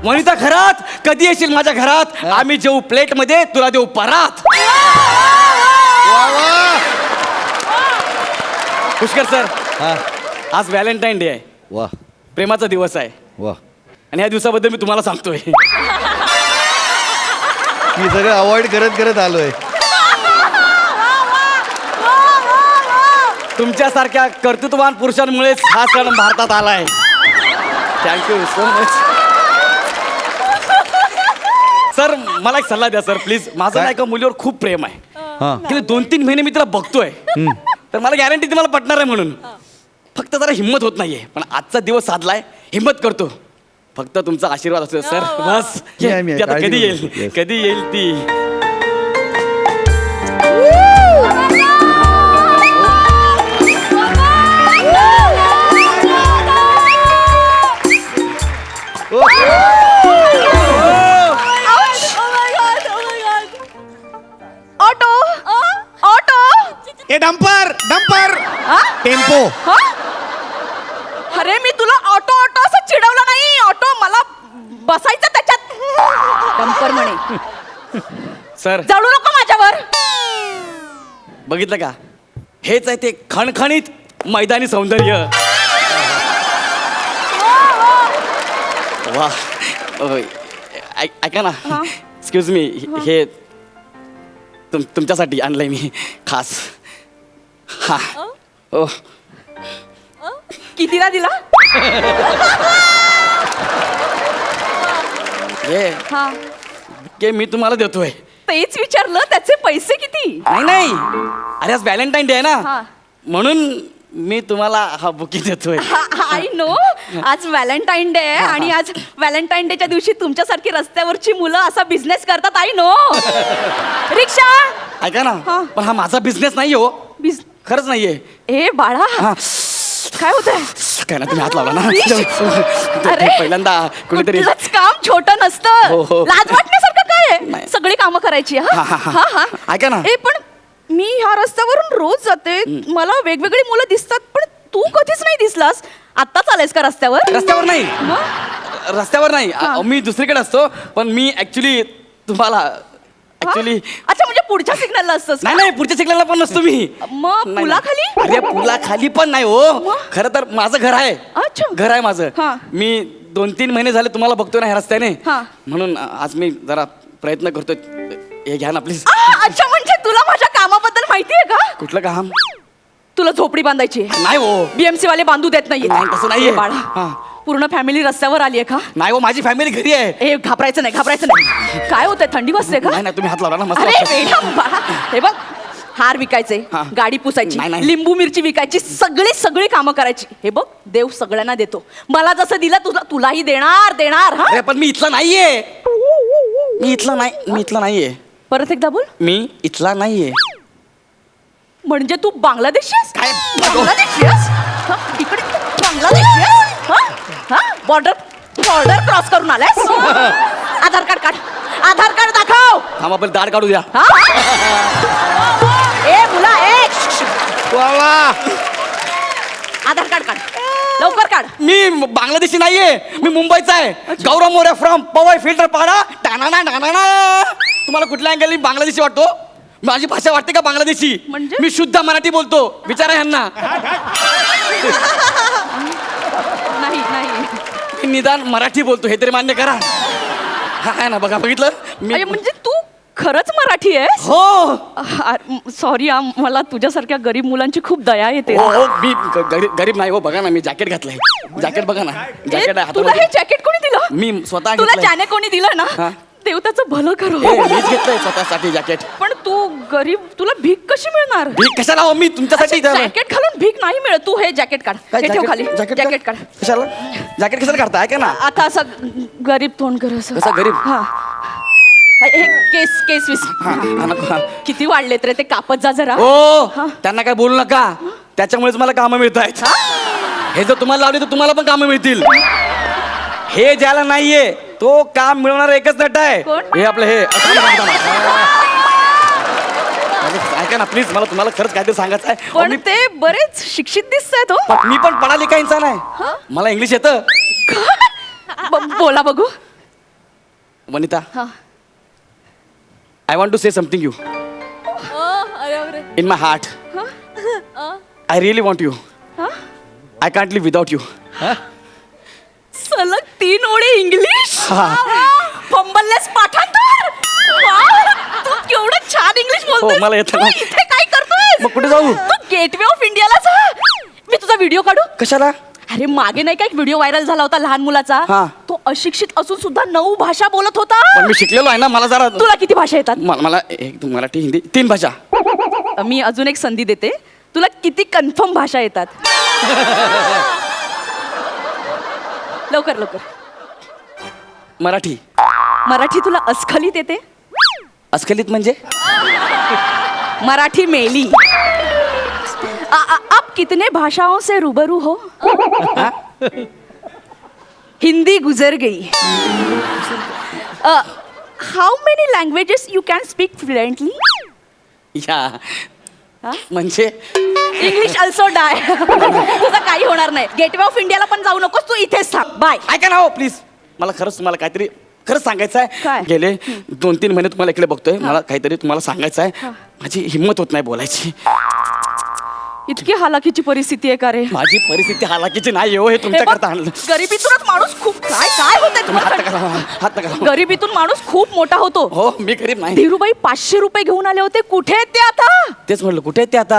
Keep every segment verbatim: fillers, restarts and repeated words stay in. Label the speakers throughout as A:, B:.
A: वनिता घरात कधी येशील माझ्या घरात? आम्ही जेऊ प्लेट मध्ये तुला देऊ परात. पुष्कर सर,
B: हा
A: आज व्हॅलेंटाईन डे आहे.
B: वा
A: प्रेमाचा दिवस आहे.
B: वा
A: आणि या दिवसाबद्दल मी तुम्हाला सांगतोय.
B: मी सगळं अवॉइड करत करत आलोय.
A: तुमच्यासारख्या कर्तृत्ववान पुरुषांमुळेच हा सण भारतात आलाय. Thank you so much. सर मला एक सल्ला द्या सर प्लीज. माझं
B: काय?
A: ना एका मुलीवर खूप प्रेम आहे.
B: हा
A: गेले दोन तीन महिने मी तिला बघतोय. तर मला गॅरंटी तुम्हाला पटणार आहे म्हणून. फक्त जरा हिंमत होत नाहीये, पण आजचा दिवस साधलाय, हिंमत करतो. फक्त तुमचा आशीर्वाद असतो सर, बस.
B: मी आहे, मी आहे.
A: ती आता
B: काळजी
A: कधी
B: करू
A: येईल
B: नको. Yes.
A: कधी येईल ती.
C: ऑटो ऑटो
D: ए डंपर डंपर टेम्पो.
C: अरे मी तुला ऑटो ऑटो असं चिडवलं नाही. ऑटो मला बसायचं त्याच्यात. डंपर म्हणे.
A: सर
C: जळू नको माझ्यावर.
A: बघितलं का, हेच आहे ते खणखणीत मैदानी सौंदर्य. वा अ, ऐ- ऐका ना, एक्सक्यूज मी, हे तुम तुमच्यासाठी आणलंय मी खास. हा ओ
C: कितीला दिला?
A: हे
C: हा
A: के मी तुम्हाला देतोय.
C: तेच विचारलं, त्याचे पैसे किती?
A: नाही नाही, अरे आज व्हॅलेंटाईन डे आहे
C: हा.
A: ना, म्हणून मी तुम्हाला हा बुकी देतोय.
C: आय नो, आज व्हॅलेंटाईन डे आहे आणि आज व्हॅलेंटाईन डेच्या दिवशी तुमच्यासारखी रस्त्यावरची मुलं असा बिझनेस करतात. I know. रिक्षा.
A: ऐका ना,
C: हा.
A: पण हा माझा बिझनेस नाही हो,
C: बिझ
A: खरंच नाहीये.
C: ए बाळा,
A: हा
C: काय होतंय?
A: काय ना, तुम्ही हात लावला ना.
C: अरे.
A: पहिल्यांदा कोणीतरी.
C: कुठलंच काम छोटं
A: हो,
C: नसतं.
A: हो.
C: लाज वाटण्यासारखं काय आहे?
A: नाही.
C: सगळी कामं करायची. हा
A: हा, हा,
C: हा हा
A: ऐका ना.
C: ए पण मी ह्या रस्त्यावरून रोज जाते, मला वेगवेगळी मुलं दिसतात, पण तू कधीच नाही दिसलास. आत्ताच आलायस का रस्त्यावर?
A: रस्त्यावर नाही,
C: मग?
A: रस्त्यावर नाही,
C: हा.
A: अ, मी दुसरीकडे असतो. पण मी ऍक्च्युली तुम्हाला
C: हा?
A: ऍक्च्युली
C: अच्छा, म्हणजे पुढच्या सिग्नलला असतोस का?
A: नाही नाही, पुढच्या सिग्नलला पण नसतो मी.
C: मग
A: नाही,
C: पुलाखाली?
A: नाही. अरे पुलाखाली पण नाही हो.
C: मग?
A: खरं तर माझं घर आहे.
C: अच्छा.
A: घर आहे माझं.
C: हा.
A: मी दोन तीन महिने झाले तुम्हाला बघतोय ना ह्या रस्त्याने,
C: हा.
A: म्हणून आज मी जरा प्रयत्न करतोय. हे घ्या ना प्लीज.
C: आ, अच्छा, म्हणजे तुला माझ्या कामाबद्दल माहितीये का?
A: कुठलं काम?
C: तुला झोपडी बांधायची आहे.
A: नाही हो,
C: बीएमसी वाले बांधू देत नाहीये.
A: नाही, तसं नाहीये.
C: ए बाळा,
A: हा.
C: पूर्ण फॅमिली रस्त्यावर आलीये का?
A: नाही हो, माझी फॅमिली घरी आहे.
C: ए घाबरायचं नाही, घाबरायचं नाही. काय होतंय, थंडी वाजते का?
A: नाही नाही, तुम्ही हात लावला ना, मस्त
C: अरे
A: वाटतं.
C: बेटा बाळा, हे बघ, हार विकायचे,
A: हा.
C: गाडी पुसायची,
A: नाही, नाही.
C: लिंबू मिरची विकायची, सगळी सगळी कामं करायची. हे बघ, देव सगळ्यांना देतो. मला जसं दिलं तुला तुलाही देणार देणार. हा
A: अरे पण मी इथला नाहीये. मी इथला नाही, मी इथला नाहीये.
C: परत एकदा बोल.
A: मी इथला नाहीये.
C: म्हणजे तू बांगलादेशी आहेस?
A: काय?
C: बांगलादेशी आहेस? हा, इकडे बांगलादेशी आहेस? हा? हा? बॉर्डर बॉर्डर क्रॉस करून आलास? आधार कार्ड काढ, आधार कार्ड दाखव.
A: थांब, आपण दाढ काढू द्या.
C: हा? ए मुला, ए
B: वा वा
C: आधार कार्ड काढ, लवकर काढ.
A: मी बांगलादेशी नाहीये, मी मुंबईचा आहे. गौरव मोरे फ्रॉम पवई फिल्टर पाडा. टाणाना टाणाना. तुम्हाला कुठल्या अँगलनी बांगलादेशी वाटतो? माझी भाषा वाटते का बांगलादेशी?
C: म्हणजे?
A: मी शुद्ध मराठी बोलतो, विचारा ह्यांना.
C: नाही नाही.
A: मी निदान मराठी बोलतो, हे तरी मान्य करा. हा आहे ना, बघा, बघितलं मी.
C: अरे म्हणजे तू खरंच मराठी आहेस?
A: हो
C: सॉरी, मला तुझ्यासारख्या गरीब मुलांची खूप दया येते.
A: हो हो, मी ग- गरीब गरीब नाही हो. बघा ना, मी जॅकेट घातलंय. जॅकेट बघा ना,
C: ए,
A: जॅकेट आहे
C: तुला हे
A: हातामध्ये.
C: जॅकेट कोणी दिलं?
A: मी स्वतः
C: तुला
A: घेतलंय.
C: ज्याने कोणी दिलं
A: हा.
C: ना, देव त्याचं भलं करो.
A: हे मीच घेतलंय स्वतःसाठी जॅकेट.
C: पण तू गरीब, तुला भीक कशी मिळणार?
A: मी कशाला हो, मी तुमच्यासाठी इथं-
C: जॅकेट घालून भीक नाही मिळत. तू हे जॅकेट काढ,
A: काय
C: हे ठेव
A: जॅकेट-
C: खाली.
A: जॅकेट
C: जॅकेट काढ.
A: कशाला? जॅकेट कशाला काढता? ऐका ना,
C: आता असं गरीब तोंड कर असं.
A: कसं गरीब?
C: हा. हे केस केस विस
A: हा, हा, नको, हा.
C: किती वाढलेत रे, ते कापत जा जरा.
A: ओ त्यांना काय बोलू नका, त्याच्यामुळेच मला कामं मिळत आहेत. हे जर तुम्हाला लावले तर तुम्हाला पण कामं मिळतील. हे ज्याला नाहीये तो काम मिळवणार एकच नट आहे.
C: कोण?
A: हे आपलं हे थांबा, थांबा, थांबा. माझं- ऐका ना प्लीज, मला तुम्हाला खरंच काहीतरी सांगायचं आहे. अहो,
C: पण
A: मी-
C: ते बरेच शिक्षित दिसतायत हो.
A: पण मी पण पढा लिखा इंसान आहे. मला इंग्लिश येतं.
C: ब- बोला बघू.
A: वनिता
C: हा.
A: I want to say something you
C: अरे अरे
A: in my heart. I really want you. I can't live without you.
C: सलग तीन ओळी इंग्लिश.
A: हा.
C: फंबललेस पाठांतर. वाव, तू केवढं छान इंग्लिश बोलतोय.
A: हो, मला येतं ना.
C: इथे काय करतोय?
A: मग कुठे जाऊ?
C: तू गेटवे ऑफ इंडियाला जा. मी तुझा व्हिडिओ काढू.
A: कशाला?
C: अरे मागे नाही का एक व्हिडिओ व्हायरल झाला होता लहान मुलाचा.
A: हा.
C: तो अशिक्षित असून सुद्धा नऊ भाषा बोलत होता.
A: पण मी शिकलेलो आहे ना, मला जरा
C: तुला किती भाषा येतात?
A: मला मला एक मराठी हिंदी तीन भाषा.
C: मी अजून एक संधी देते. तुला किती कन्फर्म भाषा येतात? लवकर लवकर.
A: मराठी.
C: मराठी तुला अस्खलित येते?
A: अस्खलित म्हणजे?
C: मराठी मेली. आ, आ, आप कितने भाषाओं से रूबरू हो? हिंदी गुजर गई. How many languages you can speak fluently?
A: या
C: हा?
A: म्हणजे
C: इंग्लिश अल्सो डाय. तुझं काही होणार नाही. गेटवे ऑफ इंडियाला पण जाऊ नकोस, तू इथेच थांब. बाय.
A: ऐका ना हो प्लीज. मला खरंच तुम्हाला काहीतरी खरंच सांगायचं
C: काय?
A: आहे. गेले दोन तीन महिने तुम्हाला इकडे बघतोय. मला काहीतरी तुम्हाला सांगायचं आहे. माझी हिंमत होत नाही बोलायची.
C: इतकी हालाकीची परिस्थिती आहे का रे?
A: माझी परिस्थिती हालाकीची नाही हो. हे
C: हे
A: तुमच्या
C: बघ,
A: करता आणलं.
C: गरिबीतूनच माणूस खूप काय काय
A: तुम्ही हात
C: होत
A: नका लावा, हात नका लावा.
C: गरिबीतून माणूस खूप मोठा होतो.
A: हो मी गरीब नाही.
C: धीरूबाई पाचशे रुपये घेऊन आले होते. कुठे आहेत ते आता?
A: तेच म्हटलं कुठे आहेत ते आता.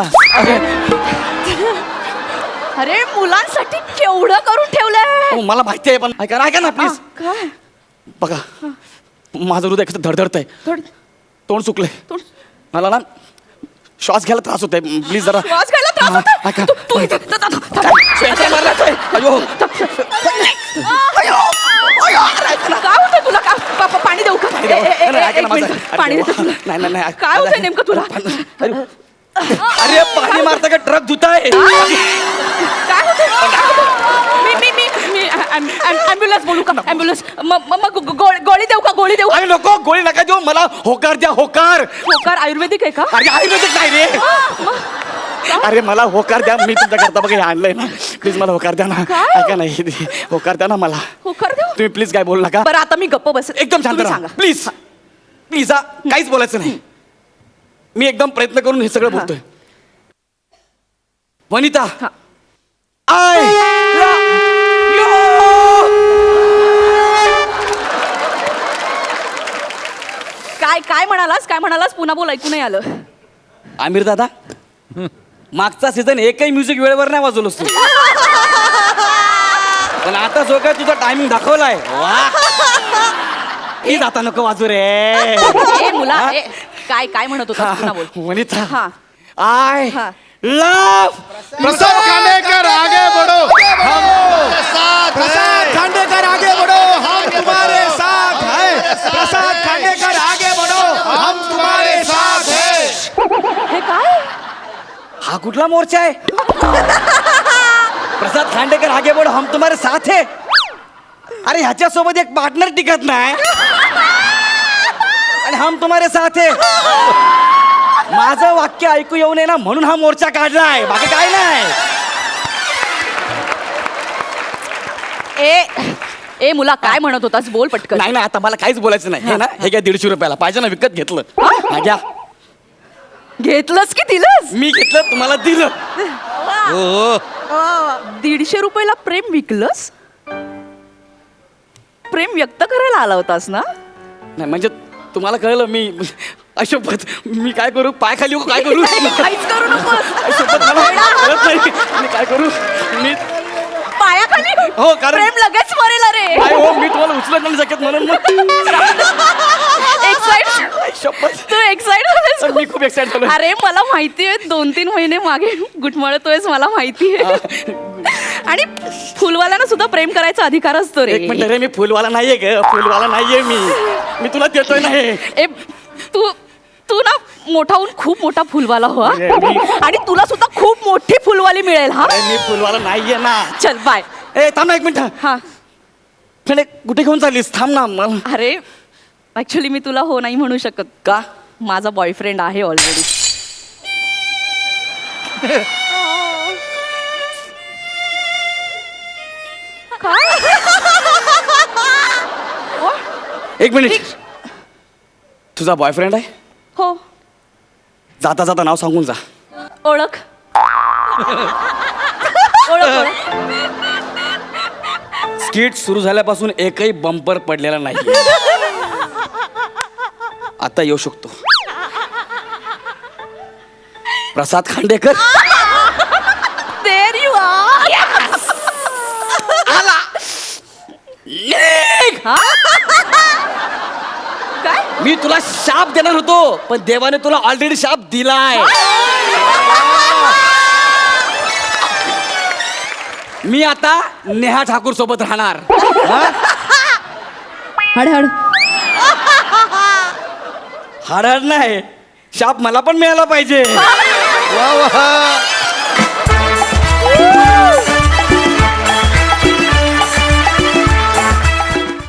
C: अरे मुलांसाठी केवढं करून ठेवलंय.
A: हो, मला माहिती आहे पण ऐका ना ऐका ना
C: हा,
A: प्लीज.
C: काय
A: बघा माझं हृदय कसं धडधडत आहे.
C: थोड-
A: तोंड सुकलंय.
C: थोड-
A: मला ना श्वास घ्यायला त्रास होतोय. प्लीज जरा
C: श्वास घ्यायला त्रास
A: हा,
C: होतोय?
A: ऐका.
C: तू- तू इथे- थ- थ- थ-
A: काय? शेंड्या मारल्यात आहे. अयो. अयो. अयो. ऐका ना.
C: काय होतंय तुला? का- पा- पा- पाणी देऊ का?
A: पाणी
C: ए-
A: द्यावं.
C: ए- ए-
A: नाही, ऐका
C: एक
A: ना माझं.
C: मिनिट.
A: अरे
C: पाणी
A: देवा.
C: देते तुला.
A: नाही नाही नाही
C: काय होतंय नेमकं तुला?
A: अरे अरे, पाणी मारता का ट्रक धुताय.
C: काय होतंय? काय होतंय? मी मी मी मी ॲम्ब्युलन्स बोलू का? ॲम्ब्युलन्स मग मग गो- गोळी देऊ का? गोळी देऊ?
A: अरे नको गोळी नका देऊ. मला होकार द्या होकार.
C: होकार आयुर्वेदिक आहे का?
A: अरे आयुर्वेदिक नाही रे. अरे मला होकार द्या. मी तुमच्या करता बघा हे आणलंय ना. प्लीज मला होकार द्या ना.
C: काय?
A: ऐका नाही होकार द्या ना मला.
C: होकार देऊ?
A: तुम्ही प्लीज काय बोलू नका.
C: बरं आता मी गप्प बस.
A: एकदम शांत
C: तुम्ही
A: राहा
C: सांगा.
A: Please please. हा काहीच बोलायचं नाही. मी एकदम प्रयत्न करून हे सगळं बोलतोय. वनिता
C: हा.
A: आय
C: काय काय म्हणालास? काय म्हणालास? पुन्हा बोल, ऐकू नाही आलं.
A: आमिर दादा मागचा सीझन एकही म्युझिक वेळेवर नाही वाजवलंस तू. पण आता जो काय तुझा टायमिंग दाखवलाय वा. प्लीज आता नको वाजू रे.
C: ए मुला ए, काय काय म्हणत होता? पुन्हा बोल.
A: वनिता
C: हा.
A: आय
C: हा.
A: लव
B: प्रसाद खांडेकर आगे बढ़ो.
D: प्रसाद खांडेकर आगे बढ़ो, हम तुम्हारे साथ हैं. प्रसाद खांडेकर आगे बढ़ो, हम तुम्हारे साथ हैं.
C: हे काय?
A: हा कुठला मोर्चा आहे? प्रसाद खांडेकर आगे बढ़ो हम तुम्हारे साथ है. अरे ह्याच्या सोबत एक पार्टनर टिकत नाही आणि हम तुम्हारे साथ है. माझं वाक्य ऐकू येऊ नये ना म्हणून हा मोर्चा काढलाय. बाकी काय नाही.
C: ए ए मुला काय म्हणत होतास? बोल पटकन.
A: नाही ना आता मला काहीच बोलायचं नाही. हे ना हे घ्या दीडशे रुपयाला. पाहिजे ना विकत घेतलं. हा घ्या.
C: घेतलंस की दिलंस?
A: मी घेतलं तुम्हाला दिलं.
B: हो
C: दीडशे रुपयाला प्रेम विकलंस? प्रेम व्यक्त करायला आला होतास ना?
A: नाही म्हणजे तुम्हाला कळलं मी अशोपत मी काय करू? पाय खाली येऊ का? काय करू?
C: काहीच करू नकोस.
A: अशोपत मला कळत नाही मी काय करू. मी
C: पायाखाली?
A: हो, कारण-
C: प्रेम लगेच मरेल रे.
A: काय हो मी तुम्हाला उचलत नाही शकत म्हणून मग.
C: एक्साइट
A: शपथ.
C: तू एक्साइट
A: तर मी खूप एक्साइट झालो.
C: अरे मला माहिती आहे दोन तीन महिने मागे गुटमळतोयस मला माहिती आहे. आणि फुलवाल्यानं सुद्धा प्रेम करायचा अधिकार असतो रे.
A: एक मिनिट रे मी फुलवाला नाहीये ग. फुलवाला नाहीये मी. मी तुला देतोय ना हे.
C: ए तू तू ना मोठा होऊन खूप मोठा फुलवाला हो हा?
A: अरे, मी-
C: आणि तुला सुद्धा खूप मोठी फुलवाली मिळेल हा.
A: अरे, मी फुलवाला नाहीये ना.
C: चल बाय.
A: ए थांब ना एक मिनिट.
C: हा
A: पण एक कुठे घेऊन चाललीस? थांब ना मला.
C: अरे ऍक्च्युली मी तुला हो नाही म्हणू शकत.
A: का?
C: माझा बॉयफ्रेंड आहे ऑलरेडी. काय
A: एक मिनिट. तुझा बॉयफ्रेंड आहे?
C: हो.
A: जाता जाता नाव सांगून जा.
C: ओळख ओळख ओळख.
A: स्किट सुरू झाल्यापासून एकही बंपर पडलेला नाही. आता येऊ शकतो. प्रसाद खांडेकर.
C: There you are.
A: आला. निघ!
C: काय?
A: मी तुला शाप देणार होतो पण देवाने तुला ऑलरेडी शाप दिलाय. मी आता नेहा ठाकूर सोबत राहणार.
C: हड हड.
A: हरहर नाही, शाप मला पण मिळाला पाहिजे.
B: वा वा